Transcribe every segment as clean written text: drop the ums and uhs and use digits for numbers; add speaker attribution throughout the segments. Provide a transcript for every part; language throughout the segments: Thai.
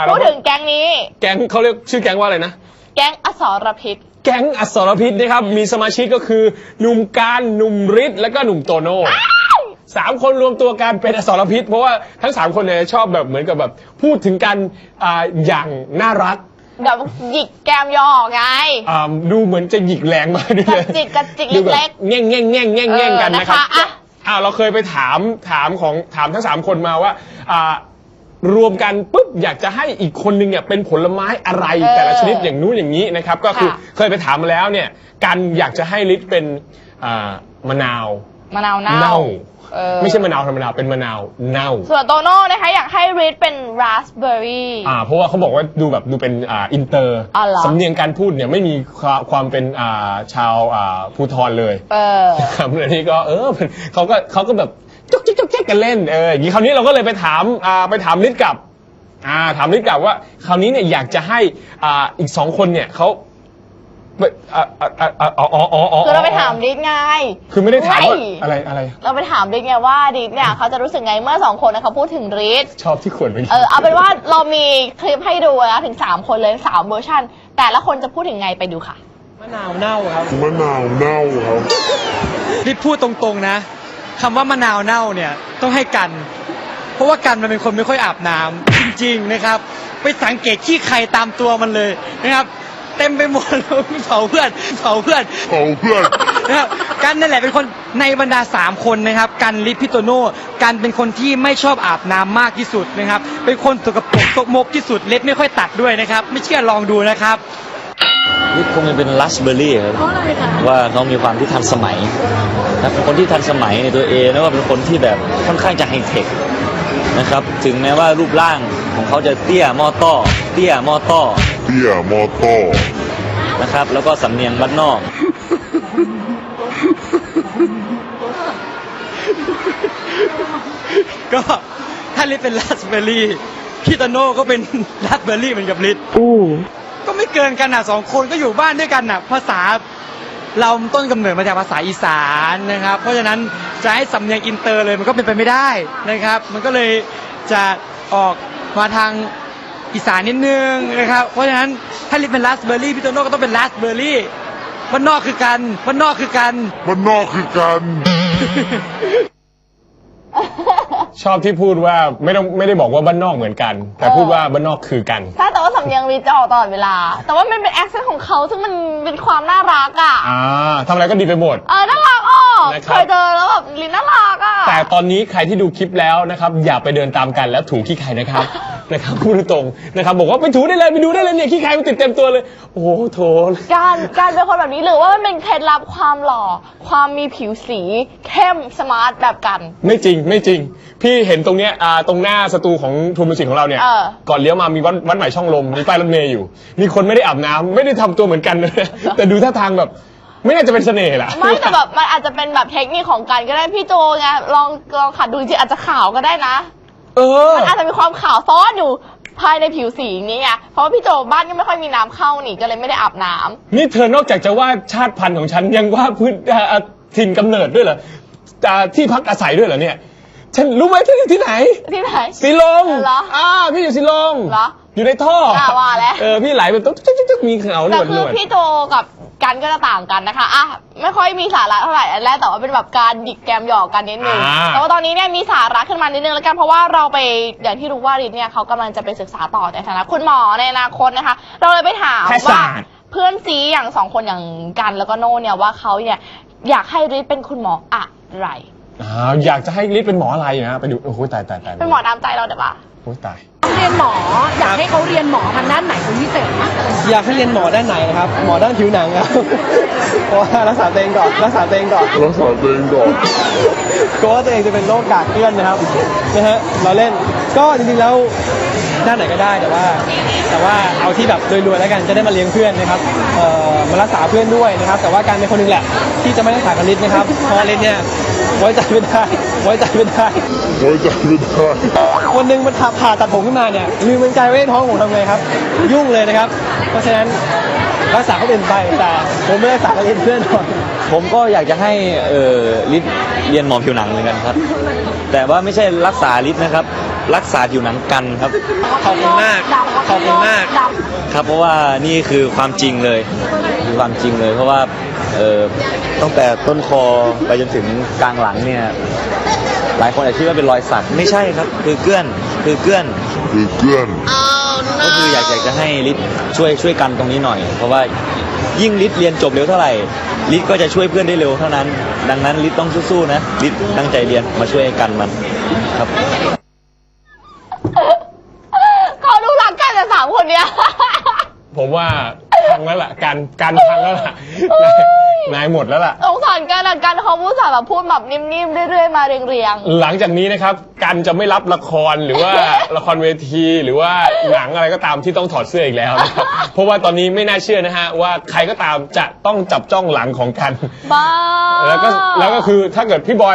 Speaker 1: พูดถึงแก๊งนี้
Speaker 2: แก๊งเขาเรียกชื่อแก๊งว่าอะไรนะ
Speaker 1: แก๊งอสรพิษ
Speaker 2: แก๊งอสรพิษนะครับมีสมาชิกก็คือหนุ่มการหนุ่มฤทธิ์และก็หนุ่มโตโน่3 คนรวมตัวกันเป็นอสรพิษเพราะว่าทั้ง3 คนเนี่ยชอบแบบเหมือนกับแบบพูดถึงกันอย่างน่ารัก
Speaker 1: แบบหยิกแก้มย่อไง
Speaker 2: ดูเหมือนจะหยิกแรงมากด้วย
Speaker 1: กระจิกเล็ก
Speaker 2: ๆแง่งกันนะครับเราเคยไปถามทั้ง3 คนมาว่ารวมกันปุ๊บอยากจะให้อีกคนนึงเนี่ยเป็นผลไม้อะไรแต่ละชนิดอย่างนู้นอย่างนี้นะครับก็คือเคยไปถามมาแล้วเนี่ยกันอยากจะให้ฤทธิ์เป็นมะนาวเน่าไม่ใช่มะนาวธรรมดาเป็นมะนาวเน่า
Speaker 1: ส่วนโตโน่นะคะอยากให้ฤทธิ์เป็นราสเบอร์รี่
Speaker 2: เพราะว่าเขาบอกว่าดูเป็นอินเตอร์สำเนียงการพูดเนี่ยไม่มีความเป็นชาวภูทรเลยครับอันนี้ก็เขาก็แบบจุกจิกกันเล่นอย่างนี้คราวนี้เราก็เลยไปถามฤทธิ์กับถามฤทธิ์กับว่าคราวนี้เนี่ยอยากจะให้อีก2 คนเนี่ยเขา
Speaker 1: คือเราไปถามฤทธิ์ไง
Speaker 2: คือไม่ได้ถามว่าอะไร
Speaker 1: เราไปถามฤทธิ์ไงว่าฤทธิ์เนี่ยเขาจะรู้สึกไงเมื่อ2 คนเขาพูดถึงฤทธิ์
Speaker 2: ชอบที่ขวดไป
Speaker 1: เอาเป็นว่าเรามีคลิปให้ดูนะถึง3 คนเลย3 เวอร์ชันแต่ละคนจะพูดถึงไงไปดูค่ะ
Speaker 3: มะนาวเน่าครับ
Speaker 4: ฤทธิ์พูดตรงๆนะคำว่ามะนาวเน่าเนี่ยต้องให้กันเพราะว่ากันมันเป็นคนไม่ค่อยอาบน้ำจริงๆนะครับไปสังเกตขี้ใครตามตัวมันเลยนะครับเต็มไปหมดเผาเพื่อนนะครับกันนั่นแหละเป็นคนในบรรดา3 คนนะครับกันฤทธิ์พี่โตโน่กันเป็นคนที่ไม่ชอบอาบน้ำมากที่สุดนะครับเป็นคนสกปรกซกมกที่สุดเล็บไม่ค่อยตัดด้วยนะครับไม่เชื่อลองดูนะครับ
Speaker 5: ฤทธิ์คงจะเป็นราสเบอร์รี่ครับว่าน้องมีความที่ทันสมัยนะเป็นคนที่ทันสมัยในตัวเองแล้วก็เป็นคนที่แบบค่อนข้างจะไฮเทคนะครับถึงแม้ว่ารูปร่างของเขาจะเตี้ยมอต้อนะครับแล้วก็สำเนียงบ้านนอก
Speaker 4: ก็ถ้าฤทธิ์เป็นราสเบอร์รี่พี่โตโน่ก็เป็นราสเบอร์รี่เหมือนกับฤทธิ์ก็ไม่เกินกัน2 คนก็อยู่บ้านด้วยกันภาษาเราต้นกำเนิดมาจากภาษาอีสานนะครับเพราะฉะนั้นจะให้สำเนียงอินเตอร์เลยมันก็เป็นไปไม่ได้นะครับมันก็เลยจะออกมาทางอีสานนิดนึงนะครับเพราะฉะนั้นถ้าฤทธิ์เป็นราสเบอร์รี่พี่โตโน่ก็ต้องเป็นราสเบอร์รี่บ้านนอกคือกัน
Speaker 2: ชอบที่พูดว่าไม่ได้บอกว่าบ้านนอกเหมือนกันแต่พูดว่าบ้านนอกคือกัน
Speaker 1: ใช่แต่ว่าสำเนียงฤทธิ์จะออกตลอดเวลาแต่ว่ามันเป็นแอคเซนต์ของเขาซึ่งมันเป็นความน่ารัก
Speaker 2: ทำอะไรก็ดีไปหมด
Speaker 1: น่ารักเคยเจอแล้วแบบฤทธิ์น่ารัก
Speaker 2: แต่ตอนนี้ใครที่ดูคลิปแล้วนะครับอย่าไปเดินตามกันแล้วถูขี้ใครนะครับพูดตรงนะครับบอกว่าไปถูได้เลยไปดูได้เลยเนี่ยขี้ใครมันติดเต็มตัวเลยโอ้โหโถ
Speaker 1: การเป็นคนแบบนี้หรือว่ามันเป็นเคล็ดลับความหล่อความมีผิวสีเข้มสมาร์ทแบบกัน
Speaker 2: ไม่จริงพี่เห็นตรงเนี้ยตรงหน้าสตูของทูมิวสิกของเราเนี่ยก่อนเลี้ยวมามีวัดใหม่ช่องลมมีป้ายรถเมย์อยู่มีคนไม่ได้อาบน้ำไม่ได้ทำตัวเหมือนกันเลยแต่ดูท่าทางแบบไม่น่าจะเป็นเสน่ห์แหละ
Speaker 1: ไม่แต่แบบมันอาจจะเป็นแบบเทคนิคของกันก็ได้พี่โจไงลองขัดดูจริงอาจจะขาวก็ได้นะมันอาจจะมีความขาวซ้อนอยู่ภายในผิวสีนี้ไงเพราะว่าพี่โจบ้านก็ไม่ค่อยมีน้ำเข้านี่ก็เลยไม่ได้อาบน้ำ
Speaker 2: นี่เธอนอกจากจะว่าชาติพันธุ์ของฉันยังว่าพื้นถิ่นกำเนิดด้วยเหรอที่พักอาศัยด้วยเหรอเนี่ยฉันรู้ไหมที่อยู่ที่ไหนสีลมพี่อยู่สีลมอยู่ในท่อ
Speaker 1: ว่าแล้ว
Speaker 2: พี่ไหลแบบตุ๊กมีเขาหนวด
Speaker 1: แต่คือพี่โจกับกันก็จะต่างกันนะคะไม่ค่อยมีสาระเท่าไหร่อันแรกแต่ว่าเป็นแบบการหยิกแกมหยอกกันนิดนึงแต่ว่าตอนนี้เนี่ยมีสาระขึ้นมานิดนึงแล้วกันเพราะว่าเราไปอย่างที่รู้ว่าฤทธิ์เนี่ยเขากำลังจะไปศึกษาต่อในฐานะคุณหมอในอนาคตนะคะเราเลยไปถามว่าเพื่อนซีอย่าง2 คนอย่างกันแล้วก็โน่เนี่ยว่าเขาเนี่ยอยากให้ฤทธิ์เป็นคุณหมออะไร
Speaker 2: อยากจะให้ฤทธิ์เป็นหมออะไรนะไปดูโอ้โหตาย
Speaker 1: เป็นหมอตามใจเราเดี๋ยวป่ะ
Speaker 2: โอ้ตาย
Speaker 6: เรียนหมออยากให้เขาเรียนหมอทางด้านไหนเป็นพิเศษมั้ย
Speaker 3: อยากให้เรียนหมอด้านไหนนะครับหมอด้านผิวหนังครับเพราะว่ารักษาตัวเองก่อนกลัวว่าตัวเองจะเป็นโรคกากเกลื่อนนะครับเราเล่นก็จริงๆแล้วด้านไหนก็ได้แต่ว่าเอาที่แบบรวยๆแล้วกันจะได้มาเลี้ยงเพื่อนนะครับมารักษาเพื่อนด้วยนะครับแต่ว่าการเป็นคนหนึ่งแหละที่จะไม่รักษากับฤทธิ์นะครับเพราะฤทธิ์เนี่ยไว้ใจไม่ได้วันหนึ่งมันผ่าตัดผมขึ้นมาเนี่ยลืมมันใจไว้ในท้องผมทำไงครับยุ่งเลยนะครับเพราะฉะนั้นรักษาเขาเป็นไปแต่ผมไม่ได้รักษากับฤทธิ์เพื่อนหรอก
Speaker 5: ผมก็อยากจะให้ฤทธิ์เรียนหมอผิวหนังเหมือนกันครับแต่ว่าไม่ใช่รักษาฤทธิ์นะครับรักษาผิวหนังกันครับ
Speaker 3: ขอบคุณมากขอบคุณมาก
Speaker 5: ครับเพราะว่านี่คือความจริงเลยคือความจริงเลย เพราะว่าตั้งแต่ต้นคอไปจนถึงกลางหลังเนี่ยหลายคนอาจคิดว่าเป็นรอยสักไม่ใช่ครับคือเกื้อนก็คืออยากจะให้ฤทธิ์ช่วยกันตรงนี้หน่อย เพราะว่ายิ่งฤทธิ์เรียนจบเร็วเท่าไหร่ฤทธิ์ก็จะช่วยเพื่อนได้เร็วเท่านั้น ดังนั้นฤทธิ์ต้องสู้ๆนะฤทธิ์ตั้งใจเรียนมาช่วยกันมันครับ
Speaker 1: เขาดูรักกันแต่สามคนเนี้ย
Speaker 2: ผมว่าพังแล้วล่ะการพังแล้วล่ะนายหมดแล้วล่ะ
Speaker 1: สงสารกันอะกันเขาพูดแบบพูดแบบนิ่มๆเรื่อยๆมาเรียง
Speaker 2: หลังจากนี้นะครับกันจะไม่รับละครหรือว่า ละครเวทีหรือว่าหนังอะไรก็ตามที่ต้องถอดเสื้ออีกแล้วนะครับ เพราะว่าตอนนี้ไม่น่าเชื่อนะฮะว่าใครก็ตามจะต้องจับจ้องหลังของกัน
Speaker 1: ๆบ้า
Speaker 2: แล้วก็คือถ้าเกิดพี่บอย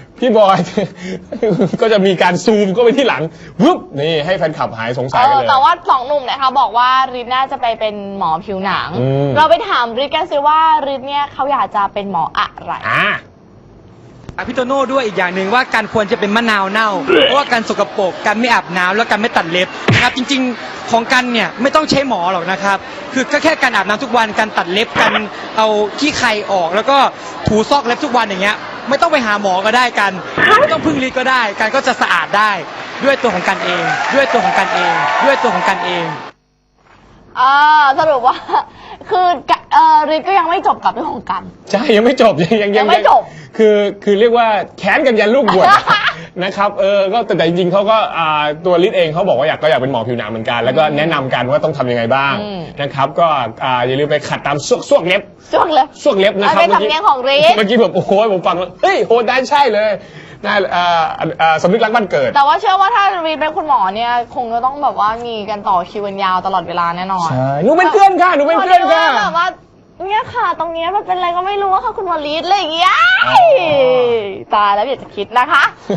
Speaker 2: ก็จะมีการซูมก็ไปที่หลังวึบนี่ให้แฟนคลับหายสงสัยกันเลย
Speaker 1: แต่ว่าสองหนุ่มเนี่ยเขาบอกว่าฤทธิ์น่าจะไปเป็นหมอผิวหนัง
Speaker 2: อืม
Speaker 1: เราไปถามฤทธิ์กันสิว่าฤทธิ์เนี่ยเขาอยากจะเป็นหมออะไร
Speaker 4: พี่โตโน่ด้วยอีกอย่างหนึ่งว่าการควรจะเป็นมะนาวเน่า เพราะว่าการสกปรกการไม่อาบน้ำแล้วการไม่ตัดเล็บนะครับจริงๆของกันเนี่ยไม่ต้องใช้หมอหรอกนะครับคือก็แค่การอาบน้ำทุกวันการตัดเล็บการเอาขี้ไคออกแล้วก็ถูซอกเล็บทุกวันอย่างเงี้ยไม่ต้องไปหาหมอก็ได้กันไม่ต้องพึ่งฤทธิ์ก็ได้กันก็จะสะอาดได้ด้วยตัวของกันเอง ด้วยตัวของกันเอง ด้วยตัวของกันเอง
Speaker 1: สรุปว่า คือฤทธิ์ก็ยังไม่จบกับเรื่องของกัน
Speaker 2: ใช่ยังไม่จบยัง
Speaker 1: ไม่จบ
Speaker 2: คือเรียกว่าแค้นกันยันลูกบวช นะครับก็แต่จริงๆเขาก็ตัวฤทธิ์เองเขาบอกว่าอยากเป็นหมอผิวหนังเหมือนกัน แล้วก็แนะนำกันว่าต้องทำยังไงบ้างนะครับก็อย่าลืมไปขัดตามซวกเล็บ
Speaker 1: ช่วงเลย
Speaker 2: ซวกเล็บนะครับ
Speaker 1: เป็นสำเนียงของฤทธิ์
Speaker 2: เมื่อกี้แบบโอ้โหผมฟังแล้วเฮ้ยโหได้ใช่เลยน่าสำนึกรักบ้านเกิด
Speaker 1: แต่ว่าเชื่อว่าถ้าฤทธิ์เป็นคุณหมอเนี่ยคงจะต้องแบบว่ามีกันต่อคิวกันยาวตลอดเวลาแน่นอน
Speaker 2: ใช่หนูเป็นเพื่อนค่ะหนูเป็นเพื่อนค่ะ
Speaker 1: แบบว่าเนี่ยค่ะตรงเนี้ยมันเป็นอะไรก็ไม่รู้ว่าค่ะคุณหมอฤทธิ์อะไรอย่างเงี้ยตายแล้วอยากจะคิดนะคะ